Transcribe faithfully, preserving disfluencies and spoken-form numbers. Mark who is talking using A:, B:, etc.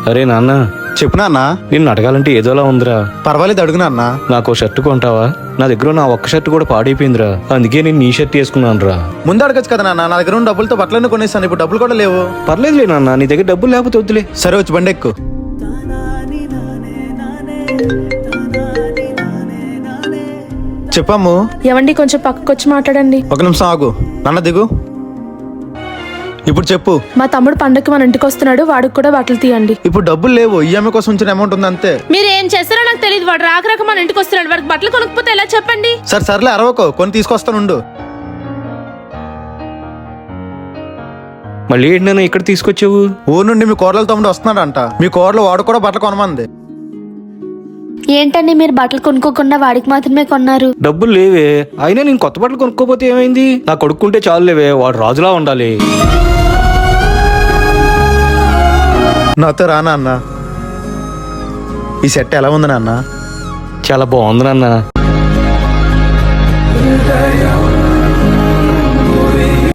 A: అరే నాన్న,
B: చెప్పు నాన్న.
A: నిన్ను అడగాలంటే ఏదోలా ఉందిరా.
B: పర్వాలేదు, అడుగు నాన్న.
A: నాకు షర్ట్ కొంటావా? నా దగ్గర నా ఒక్క షర్ట్ కూడా పాడైపోయిందిరా, అందుకే నేను నీ షర్ట్ వేసుకున్నాను రా.
B: ముందు అడగచ్చు కదా నాన్న, నా దగ్గర ఉన్న డబ్బులతో బట్టలన్నీ కొనేస్తాను, ఇప్పుడు డబ్బులు కూడా లేవు.
A: పర్లేదులే నాన్న, నీ దగ్గర డబ్బులు లేకపోతే వద్దులే.
B: సరే, వచ్చి బండి ఎక్కు. చెప్పమ్ము.
C: ఏవండి కొంచెం పక్కకు వచ్చి మాట్లాడండి.
B: ఒక నిమిషం ఆగు నాన్న, దిగు. ఇప్పుడు చెప్పు.
C: మా తమ్ముడు పండగకి మన ఇంటికి వస్తున్నాడు, వాడికి కూడా బట్టలు తీయండి.
B: ఇప్పుడు డబ్బులు లేవు, ఈఎంఐ కోసం ఉంచిన అమౌంట్ ఉంది అంతే.
C: మీరు ఏం చేస్తారో నాకు తెలియదు, వాడు రాక రాక మన ఇంటికి వస్తున్నాడు, వాడికి బట్టలు కొనుక్కపోతే ఎలా చెప్పండి.
B: సరే సర్లే, అరవకో, కొని తీసుకొస్తానుండు.
A: మళ్ళీ ఏంటి నాన్న ఇక్కడ తీసుకొచ్చావు?
B: ఊరు నుండి మీ కోడల తమ్ముడు వస్తున్నాడంట, మీ కోడలు వాడు కూడా బట్టలు కొనమంది.
D: ఏంటండి మీరు బట్టలు కొనుక్కోకుండా వాడికి మాత్రమే కొన్నారు?
A: డబ్బులు లేవే, అయినా నేను కొత్త బట్టలు కొనుక్కోపోతే ఏమైంది? నా కొడుకుంటే చాలు లేవే, వాడు రాజులా ఉండాలి.
B: నాతో రా నాన్న. ఈ సెట్ ఎలా ఉంది నాన్న?
A: చాలా బాగుంది నాన్న.